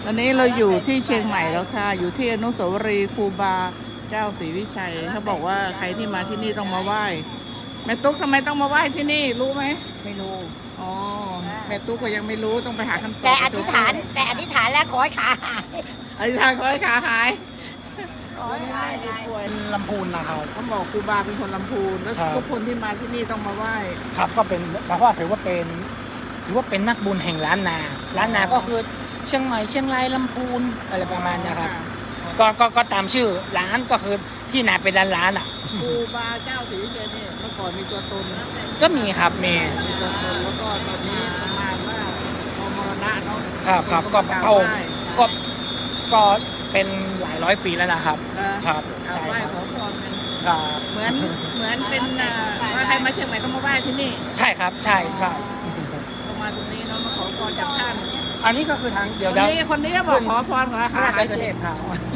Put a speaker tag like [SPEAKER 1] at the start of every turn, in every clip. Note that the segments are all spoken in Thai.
[SPEAKER 1] ตอนนี้เราอยู่ที่เชียงใหม่แล้วค่ะ อยู่ที่อนุสาวรีย์ครูบาเจ้าศรีวิชัยเขาบอกว่าใครที่มาที่นี่ต้องมาไหว้แม่ตุ๊กทำไมต้องมาไหว้ที่นี่รู้ไหมไม่รู้อ๋อแม่ตุ๊กก็ยังไม่รู้ต้องไปหาคำตอบ
[SPEAKER 2] แต่อธิษฐานแล้วขอให้ขาหาย
[SPEAKER 1] อธิษฐานขอให้ขาหาย
[SPEAKER 2] ขอให้ขาหาย
[SPEAKER 1] ป่วย
[SPEAKER 3] ลำพูนนะครับ
[SPEAKER 1] เขาบอกครูบาเป็นคนลำพูนแล้ว
[SPEAKER 3] ครับ
[SPEAKER 1] ทุกคนที่มาที่นี่ต้องมาไหว้
[SPEAKER 3] ครับก็เป็นเพราะว่าถือว่าเป็นนักบุญแห่งล้านนาก็คือเชียงใหม่เชียงรายลำพูนอะไรประมาณเนี้ยครับก็ตามชื่อร้านก็คือที่นาเป็นร้านอ่ะ
[SPEAKER 1] ครูบาเจ้าศรีวิชัยเนี่ยเมื่อก่อนมีตัวตนนะ
[SPEAKER 3] ก็มีครับมี
[SPEAKER 1] ตัวตนแล้วก็ตอนนี้ประมาณว่าพอมรณะเนาะ
[SPEAKER 3] ครับก็
[SPEAKER 1] กราบ
[SPEAKER 3] พระองค์
[SPEAKER 1] ไหว้
[SPEAKER 3] ก็เป็นหลายร้อยปีแล้วนะครับ ครับ
[SPEAKER 1] กราบ
[SPEAKER 3] ใช่
[SPEAKER 1] ไหว้
[SPEAKER 3] ครับ
[SPEAKER 1] ขอพรกัน
[SPEAKER 3] ครับ
[SPEAKER 1] เหมือนเป็นว่าใครมาเชียงใหม่ต้องมาไหว้ที่นี่
[SPEAKER 3] ใช่ครับใช่
[SPEAKER 1] ต้องมาตรงนี้เนาะมาขอพรจากท่าน
[SPEAKER 3] อันนี้ก็คือทางเดี๋ยว
[SPEAKER 1] คนนี้ก็บอกขอพรขอ
[SPEAKER 3] พระ
[SPEAKER 1] หา
[SPEAKER 3] ราช
[SPEAKER 1] หาย
[SPEAKER 3] เทพครับ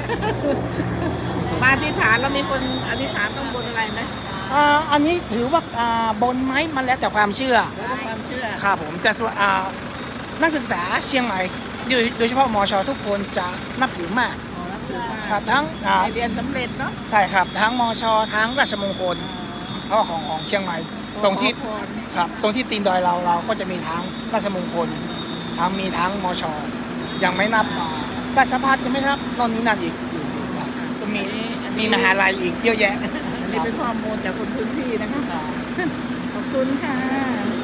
[SPEAKER 1] มาอธิษฐานแล้วมีคนอธิษฐานต้องบนอะไรไหม
[SPEAKER 3] อันนี้ถือว่าบนไม้มันแล้วแต่ความเชื่อ
[SPEAKER 1] แล้วก็ความเชื่อ
[SPEAKER 3] ครับผมแต่ส่วนนักศึกษาเชียงใหม่โดยเฉพาะมชทุกคนจะนับถือมาก
[SPEAKER 1] ขอรับถือมา
[SPEAKER 3] ครับทั้ง
[SPEAKER 1] ไปเรียนสำเร็จเนาะ
[SPEAKER 3] ใช่ครับทั้งมชทั้งราชมงคลเพราะของเชียงใหม่ตรงที่
[SPEAKER 1] ขอพร
[SPEAKER 3] ครับตรงที่ตีนดอยเราก็จะมีทั้งราชมงคลมีทั้งมชยังไม่นับราชภัฏยังไม่นับนนนี้นั่นอีกครับก็มีมหาลัยอีกเยอะแยะ
[SPEAKER 1] อันนี้เป็นข้อมูลจากคนพื้นที่นะคะขอบคุณค่ะ